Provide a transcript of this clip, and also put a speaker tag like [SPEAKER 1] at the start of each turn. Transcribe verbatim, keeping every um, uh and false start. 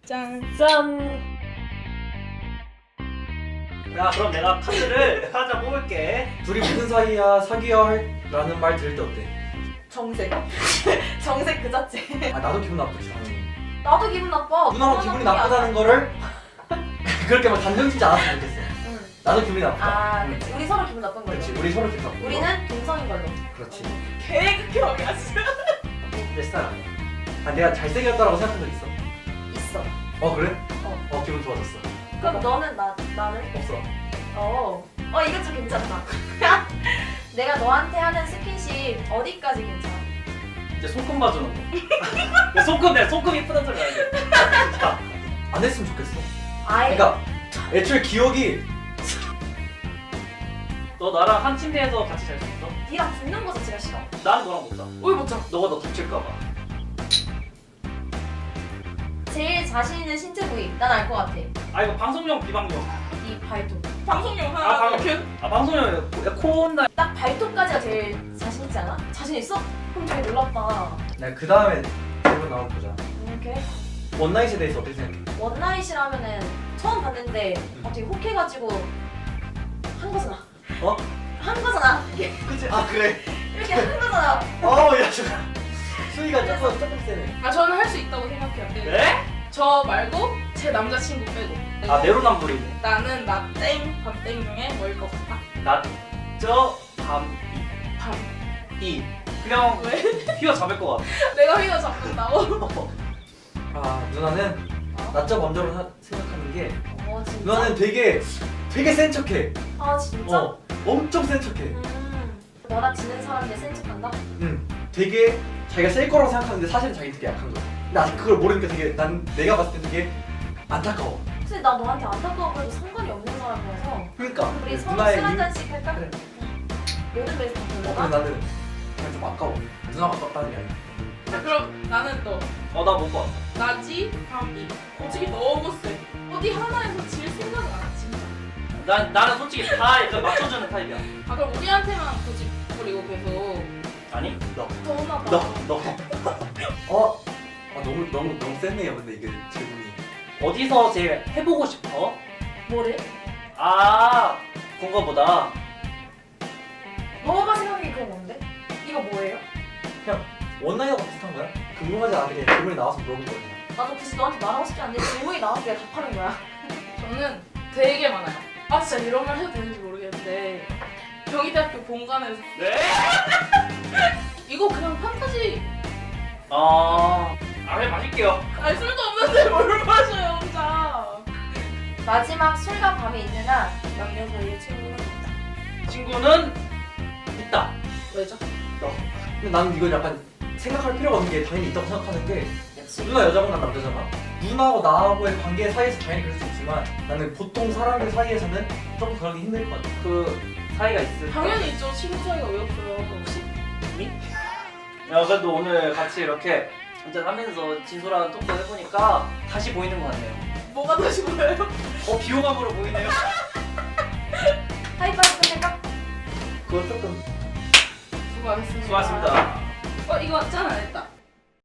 [SPEAKER 1] 짠.
[SPEAKER 2] 짠.
[SPEAKER 3] 야 그럼 내가 카드를 하나 뽑을게.
[SPEAKER 4] 둘이 무슨 사이야 사귀어야 할 라는 말 들을 때 어때?
[SPEAKER 2] 정색. 정색 그 자체.
[SPEAKER 4] 아 나도 기분 나쁘지 당연히.
[SPEAKER 2] 나도 기분 나빠.
[SPEAKER 4] 누나가 기분이 나쁘다는 거를 그렇게 막 단정 짓지 않았으면 좋겠어.
[SPEAKER 2] 응.
[SPEAKER 4] 나도 기분이 나쁘다.
[SPEAKER 2] 아,
[SPEAKER 4] 응.
[SPEAKER 2] 그치. 우리 서로 기분 나쁜 걸로.
[SPEAKER 4] 그렇지 우리 서로 기분 나쁘고.
[SPEAKER 2] 우리는 동성인 걸로.
[SPEAKER 4] 그렇지.
[SPEAKER 1] 개극혐이야 진짜.
[SPEAKER 4] 내 스타일 아니야. 아 내가 잘생겼다라고 생각한 적 있어?
[SPEAKER 2] 있어.
[SPEAKER 4] 어 그래?
[SPEAKER 2] 어.
[SPEAKER 4] 어 기분 좋아졌어.
[SPEAKER 2] 그럼 너는 나 나는?
[SPEAKER 4] 없어.
[SPEAKER 2] 어. 어 이거 좀 괜찮다. 내가 너한테 하는 스킨십 어디까지 괜찮아?
[SPEAKER 3] 이제 손금 봐주는 거. 야, 손금 내 손금 이쁘단 소리 나야 돼.
[SPEAKER 4] 자, 안 했으면 좋겠어.
[SPEAKER 2] 아예.
[SPEAKER 4] 그러니까 애초에 기억이
[SPEAKER 3] 너 나랑 한 침대에서 같이 잘 수 있어?
[SPEAKER 2] 니랑 붙는 거 자체가 싫어.
[SPEAKER 3] 나는 너랑 못 자.
[SPEAKER 1] 우리 못 자.
[SPEAKER 3] 너가 너 다칠까봐.
[SPEAKER 2] 제일 자신 있는 신체 부위 난 알 것 같아.
[SPEAKER 3] 아 이거 방송용 비방용.
[SPEAKER 2] 이 발톱.
[SPEAKER 1] 방송용
[SPEAKER 3] 아
[SPEAKER 1] 하나
[SPEAKER 3] 방송.
[SPEAKER 1] 이렇게.
[SPEAKER 3] 아 방송용 코 온다.
[SPEAKER 2] 딱 발톱까지가 제일 자신 있지 않아? 자신 있어? 그럼 되게 놀랍다.
[SPEAKER 4] 내가 그 다음에 질문 나온 보자.
[SPEAKER 2] 이렇게
[SPEAKER 4] 원나잇에 대해서 어떻게 생각해?
[SPEAKER 2] 원나잇이라면은 처음 봤는데 어, 되게 혹해가지고 한 거잖아.
[SPEAKER 4] 어?
[SPEAKER 2] 한 거잖아.
[SPEAKER 4] 그치? 아 그래.
[SPEAKER 2] 이렇게 한 거잖아.
[SPEAKER 4] 어야 잠깐. 수위가 조금 조금 세네.
[SPEAKER 1] 아 저는 할 수 있다고 생각해요. 네.
[SPEAKER 3] 네?
[SPEAKER 1] 저 말고 제 남자친구 빼고.
[SPEAKER 3] 아 내로남불이네.
[SPEAKER 1] 나는 나땡 밤땡 중에 뭐일 것 같아?
[SPEAKER 3] 낮저 밤
[SPEAKER 1] 밤.
[SPEAKER 3] 이. 그냥
[SPEAKER 1] 왜?
[SPEAKER 3] 휘어 잡을 것 같아.
[SPEAKER 1] 내가 휘어 잡는다고?
[SPEAKER 4] 아 누나는
[SPEAKER 2] 어?
[SPEAKER 4] 낮자 먼저로 사- 생각하는 게
[SPEAKER 2] 어 진짜?
[SPEAKER 4] 누나는 되게 되게 센 척해.
[SPEAKER 2] 아 진짜?
[SPEAKER 4] 어 엄청 센 척해.
[SPEAKER 2] 음. 너나 지는 사람인데 센 척한다?
[SPEAKER 4] 응. 되게 자기가 셀 거라고 생각하는데 사실은 자기 되게 약한 거야. 근데 아직 그걸 모르니까 되게 난 내가 봤을 때 되게 안타까워.
[SPEAKER 2] 근데 나 너한테 안타까워 보여도 상관이 없는 사람이라서
[SPEAKER 4] 그러니까
[SPEAKER 2] 우리 서로
[SPEAKER 4] 누나의
[SPEAKER 2] 술 한
[SPEAKER 4] 이-
[SPEAKER 2] 잔씩 할까?
[SPEAKER 4] 그래.
[SPEAKER 2] 요즘에 다
[SPEAKER 4] 어, 근데
[SPEAKER 2] 별로가?
[SPEAKER 4] 나는 그냥 좀 아까워. 누나가 아깝다는 게 아니야.
[SPEAKER 1] 자 그럼 나는 너.
[SPEAKER 3] 어 나 못 봐.
[SPEAKER 1] 나지 밤이. 솔직히 너무 세. 어디 하나에서 질 생각은 안 해, 진짜.
[SPEAKER 3] 난 나는 솔직히 다 이렇게 맞춰주는 타입이야.
[SPEAKER 1] 아 그럼 우리한테만 고집 부리고 계속
[SPEAKER 3] 아니?
[SPEAKER 4] 너.
[SPEAKER 1] 더나 봐.
[SPEAKER 4] 너. 너. 어? 아 너무 너무 너무 세네요. 근데 이게 질문이.
[SPEAKER 3] 어디서 제일 해보고 싶어?
[SPEAKER 2] 뭐를?
[SPEAKER 3] 아 그런 거보다
[SPEAKER 2] 너가 생각하기 그건 뭔데? 이거 뭐예요?
[SPEAKER 4] 원나잇하고 비슷한 거야? 궁금하지 않게 질문이 나와서 물어본 거야.
[SPEAKER 2] 나도 굳이 너한테 말하고 싶지 않은데 질문이 나와서 내가 답하는 거야.
[SPEAKER 1] 저는 되게 많아요. 아 진짜 이런 말 해도 되는지 모르겠는데 경희대학교 본관에서
[SPEAKER 3] 네?
[SPEAKER 1] 이거 그냥 판타지.
[SPEAKER 3] 아, 아 그냥 마실게요.
[SPEAKER 1] 아니 술도 없는데 뭘 마셔요 혼자.
[SPEAKER 2] 마지막 술과 밤이 있는 한 남녀 사이의 친구는 있다.
[SPEAKER 3] 친구는 있다.
[SPEAKER 1] 왜죠?
[SPEAKER 4] 근데 나는 이건 약간 생각할 필요가 없는 게 당연히 있다고 생각하는 게
[SPEAKER 2] 그치?
[SPEAKER 4] 누나 여자고 난 남자잖아. 누나하고 나하고의 관계 사이에서 당연히 그럴 수 있지만 나는 보통 사람들 사이에서는 조금 그러기 힘들 것 같아.
[SPEAKER 3] 그 사이가 있을까?
[SPEAKER 1] 당연히 있죠. 친구 사이가 왜 없어요? 혹시?
[SPEAKER 3] 야 그래도 오늘 같이 이렇게 한잔 하면서 진솔한 토크 해보니까 다시 보이는 것 같네요.
[SPEAKER 1] 뭐가 다시 보여요?
[SPEAKER 3] 어 비호감으로 보이네요.
[SPEAKER 2] 하이파이브 끝낼까?
[SPEAKER 4] 그건 조금
[SPEAKER 1] 수고하셨습니다.
[SPEAKER 3] 수고하셨습니다.
[SPEAKER 1] 어 이거 짠 안 했다.